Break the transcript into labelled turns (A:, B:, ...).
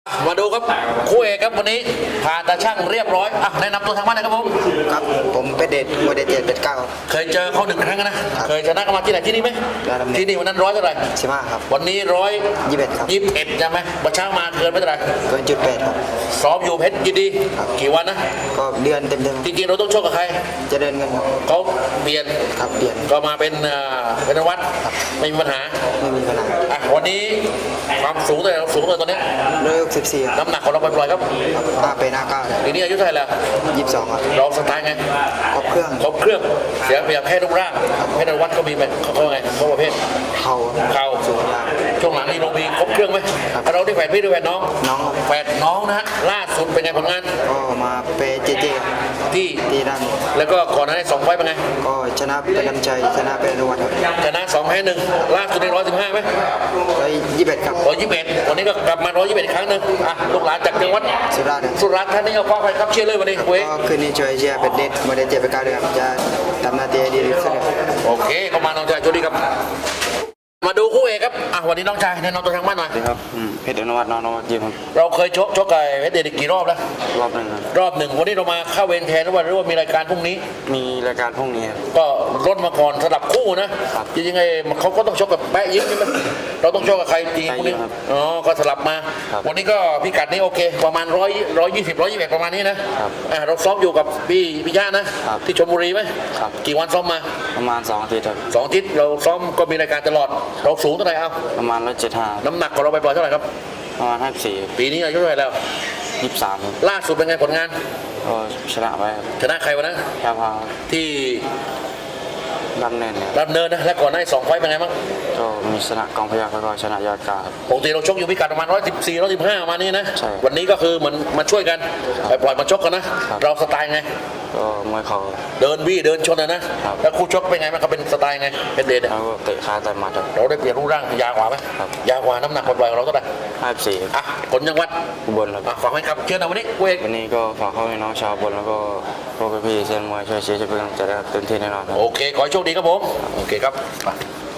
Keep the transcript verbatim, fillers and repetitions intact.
A: มาดูครับคู่เอกครับวันนี้ผ่านตาช่างเรียบร้อยอ่ะแนะนำตัวทางบ้านหน่อยครับผม
B: ครับผมเป็นเดชโมเดลเจ็ดเป็นเก้า
A: เคยเจอเขาหนึ่งครั้งนะเคยชนะกันมาที่ไหนที่นี่ไหมที่นี่วันนั้นร้อยเท่าไหร่
B: สิบห้าครับ
A: วันนี้ร้อย
B: ยี่สิบเอ็ดครับ
A: ยี่สิบเอ็ดใช่ไหมวันเช้ามาเกินไม่เท่าไหร่
B: เกินจุดแปดครับ
A: ซ้อมอยู่เพชรยินดีกี่วันนะ
B: ก็เดือนเต็มเต็ม
A: จริงๆเราต้องชกกับใคร
B: จะเดินกัน
A: เขาเปลี่ยน
B: ครับเปลี่ยน
A: ก็มาเป็นเป็นวัดไม่มีปัญหา
B: ไม่มีปัญหา
A: อ่ะวันนี้ความสูงเท่าไหร่สูงเท่าไหร่ตอนนี้
B: ร้อยหกสิบสี่
A: น้ำหนักของเราปล่อยๆครับ
B: ห้าเป็นห้าเก้า
A: ปีนี้อายุเท่าไหร่แล้ว
B: ยี่สิบสองครับ
A: เราสไตล์ไง
B: ครบเครื่อง
A: ครบเครื่องเสียเปรียบแค่รูปร่างแค่ในวัดก็มีไหมเขาไงเขาประเภท
B: เข่า
A: เข่า
B: สูงล่าง
A: ช่วงหลังนี่ลงมีครบเครื่องไหมเราได้แฝดพี่ด้วยแฝดน้อง
B: น้อง
A: แฝดน้องนะฮะล่าสุดเป็นไงผลงาน
B: ก็มาเปเจเจ
A: ที่
B: ที่ด้าน
A: แล้วก็ก่อนหน้านี้สองไฟเป็นไง
B: ก็ชนะเป็นน้ำใจชนะเป็นรวัตครับ
A: ชนะสองแพ้หนึ่งล่าสุดในร้อยสิบห้าไหม
B: ร้อยยี่สิบเอ็ดครับ
A: ร้อยยี่สิบเอ็ดวันนี้ก็กลับมาร้อยยี่สิบเอ็ดครั้งหนึ่งอ่ะลูกหลานจากจังหวัด
B: สุราษฎร์
A: สุราษฎร์ท่านนี้เอาฟ้าไปครับเชียร์เลยวันนี้เว้ย
B: ก็คืนนี้ช่วยเชียร์เป็นเดชโมเดลเจ็ดเป็นเก้าด้วยครับจะทำหน้าที่ดีที่สุด
A: โอเคเข้ามาน้องชายโชคดีครับมาดูคู่เอกครับอ่ะวันนี้น้องชายแนะนำตัวทางบ้านหน่อย
C: สวัสดีครับเพชรอนุวัฒน์น้องนวัดยิมครับ
A: เราเคยชกชกกับเพชรเดชกี่รอบแล้ว
C: รอบหนึ่งครับ
A: รอบหนึ่งวันนี้เรามาเข้าเวรแทนหรือว่าหรือว่ามีรายการพรุ่งนี้
C: มีรายการพรุ่งนี้ครับ
A: ก็ลดมาก่อนสลับคู่นะจริงๆไงเขาก็ต้องชกกับแปะยิ้มใช่ไหมเราต้องชกกับใครจริงพรุ่งนี้อ๋อก็สลับมาวันนี้ก็พิกัดนี้โอเคประมาณร้อยร้อยยี่สิบร้อยยี่สิบประมาณนี้นะอ่าเราซ้อมอยู่กับพี่พี่ย่านะที่ชลบุรีไหมกี่วันซ้อมมา
C: ประมาณสองอาทิตย์ครับ
A: สองอาทิตย์เราซ้อมก็มีรายการตลอดเราสูงเท่าไหร่เอา
C: ประมาณร้อยเจ็ดห้า
A: น้ำหนักของเราไปปล่อยเท่าไหร่ครับ
C: ประมาณห้าสิบสี่
A: ปีนี้อายุเท่าไหร่แล้ว
C: ยี่สิบสาม
A: ล่าสุดเป็นไงผลงาน
C: ก็ชนะไป
A: ชนะใครวะนะ
C: แค่พา
A: ที่
C: ดำเนินเนี่ย
A: ดำเนินนะและก่อนหน้าสองไฟเป็นไงบ้าง
C: ก็มีชนะกองพยัคฆ์แล้วก็ชนะยอดกา
A: ปกติเราชกอยู่พิกัดประมาณร้อยสิบสี่ร้อยสิบห้าประมาณนี้นะ
C: ใช่
A: วันนี้ก็คือเหมือนมาช่วยกันไปปล่อยมาชกกันนะเราสไตล์ไง
C: ก็มวยเขา
A: เดินวี่เดินชนนะนะแล้วคู่ชกเป็นไงมันเขาเป็นสไตล์ไงเป็นเดช
C: แล้วก็เตะขาแต่หมัด
A: เราได้เปลี่ยนรูปร่างยาวกว่าไหมยาวกว่าน้ำหนักปล่อยของเราเท่าไหร่
C: ห้าสิบสี่
A: อ่ะคนจังหวัด
C: อุบลครับ
A: ฝากให้ครับเชิญเอาวันนี้เวก
C: วันนี้ก็ฝากเข้าให้น้องชาวอุบลแล้วก็พวกพี่ๆเซียนมวยช่วยเชียร์ช่วยเป็นกำลังใจให้เต็มที่แน่นอน
A: โอเคขอให้โชคดีครับผมโอเคครับ